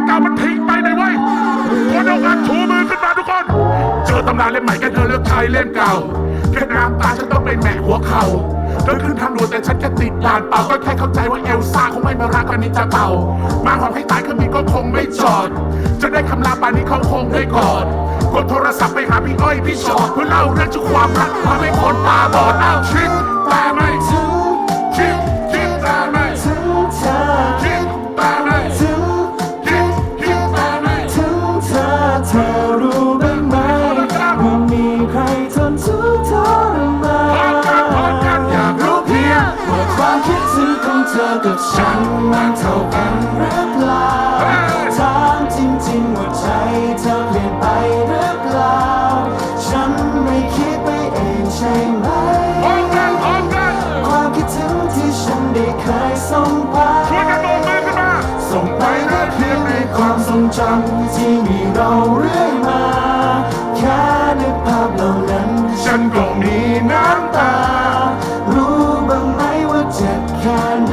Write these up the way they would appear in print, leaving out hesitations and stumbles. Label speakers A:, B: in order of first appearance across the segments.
A: เก่ามันทิ้งไปเลยเว้ยคนเอางานชูมือขึ้นมาทุกคนเจอตำนานเล่มใหม่แค่เธอเลือกใช้เล่มเก่าแค่น้ำตาฉันต้องไปแหมะหัวเข่าเธอขึ้นทางด่วนแต่ฉันแค่ติดด่านเปล่าก็แค่เข้าใจว่าเอลซ่าคงไม่มารักกันนิจาเต่ามาหอมให้ตายเครื่องบินก็คงไม่จอดจะได้คำลาป่านนี้เขาคงได้กอดกดโทรศัพท์ไปหาพี่อ้อยพี่ชอดเพื่อเล่าเรื่องชุกความรักทำให้คนตาบอดอ้าวชิดแต่ไม่ถึงคิดแต่ไม่ถึงเธอคิดแต่ไม่ถึงคิดแต่ไม่ถึงเธอ
B: เธอรู้บ้างไหมว่ามีใครทนทุกข์ทรมาน
A: อยากรู้เพียง
B: ว่าความคิดถึงของเธอกับฉันมันเท่ากันหรือเปล่าถามจริงๆว่าใจเธอเปลี่ยนไปหรือเปล่าฉันไม่คิดไปเองใช่ไหมความคิดถึงที่ฉันได้เคยส่งไปส่งไปแค่เพียงในความทรงจำที่มีเราเรื่อยมาแค่นึกภาพเหล่านั้น
A: ฉันก็มีน้ำตา
B: รู้บ้างไหมว่าเจ็บแค่ไหน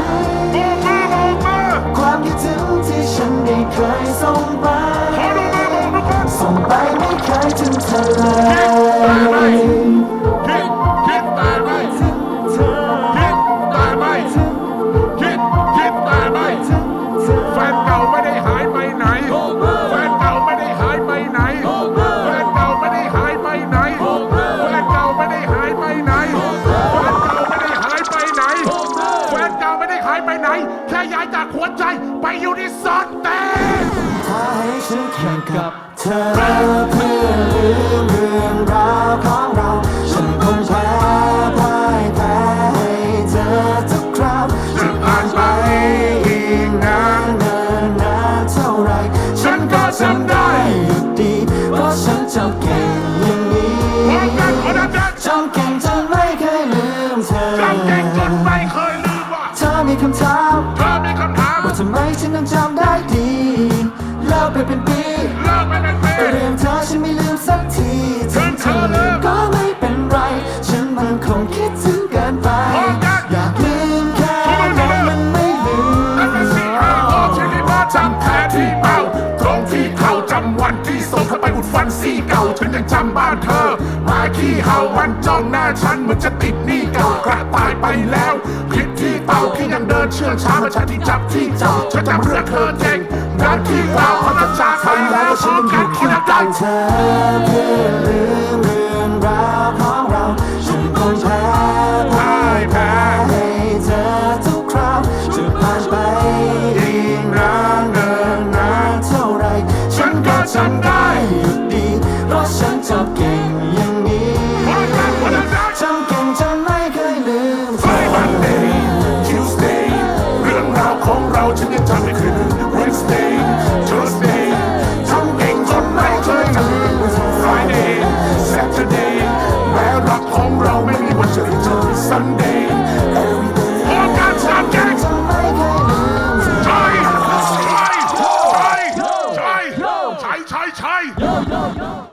B: ความคิดถึงที่ฉันได้เคยส่งไปส่งไปไม่เคยถึงเธอเลย
A: คิดแต่ไม่
B: ถึงเธอ
A: คิดแต่ไม่คิดแต่ไม่แฟนเก่าไม่ได้หายไปไหนแฟนเก่าไม่ได้หายไปไหนแฟนเก่าไม่ได้หายไปไหนแฟนเก่าไม่ได้หายไปไหนแฟนเก่าไม่ได้หายไปไหนแฟนเก่าไม่ได้หายไปไหนแค่ย้ายจากหัวใจไปอยู่ที่ซอนเต้
B: ถ้าให้ฉันแข่งกับเธอเพื่อลืมเรื่องราวของเราฉันคงแพ้พ่ายแพ้ให้เธอทุกคราว
A: จะผ่านไปอีกนาน
B: เนินนานเท่าไร
A: ฉันก็จำได้
B: อยู่ดีเพราะฉันจำเก่งอย่างนี้จำเก่งจนไม่เคยลืมเธอ
A: จำเก่งจนไม่เคยลืมว่า
B: เธอมีคำถามว่าทำไมฉันยังจำได้ดีเลิกไปเป็นปีแต่เรื่องเธอฉันไม่ลืมสักทีถึงเธอลืมก็ไม่เป็นไรฉันมันคงคิดถึงเกินไปอยากลืมแค่ไหนมันไม่ลืม
A: จำแผลที่เป้าตรงที่เขาจำวันที่ส่งเธอไปอุดฟันซี่เก่าฉันยังจำบ้านเธอหมาขี้เห่าวันจ้องหน้าฉันเหมือนจะติดหนี้เก่ากระต่ายไปแล้วคิดที่เต่าที่ยังเดินเชื่องช้าเมื่อฉันที่จับที่เจ้าฉันจำเรื่องเธอเก่งงานที่เก่าพัฒนาไปแล้วฉันยังอยู่ที่เก่า
B: เธอเพื่อลืมเรื่องราวของเราฉันคงแพ้พ่ายแพ้ให้เธอทุกคราวจะผ่านไปอีกนานเนินนานเท่าไรฉันก็จำได้อยู่ดีเพราะฉันจำเก่งอย่างนี้จำเก่งจนไม่เคยลืมเธอ
A: Monday Tuesday เรื่องราวของเราฉันยังจำไม่เคยลืม Wednesday Thursday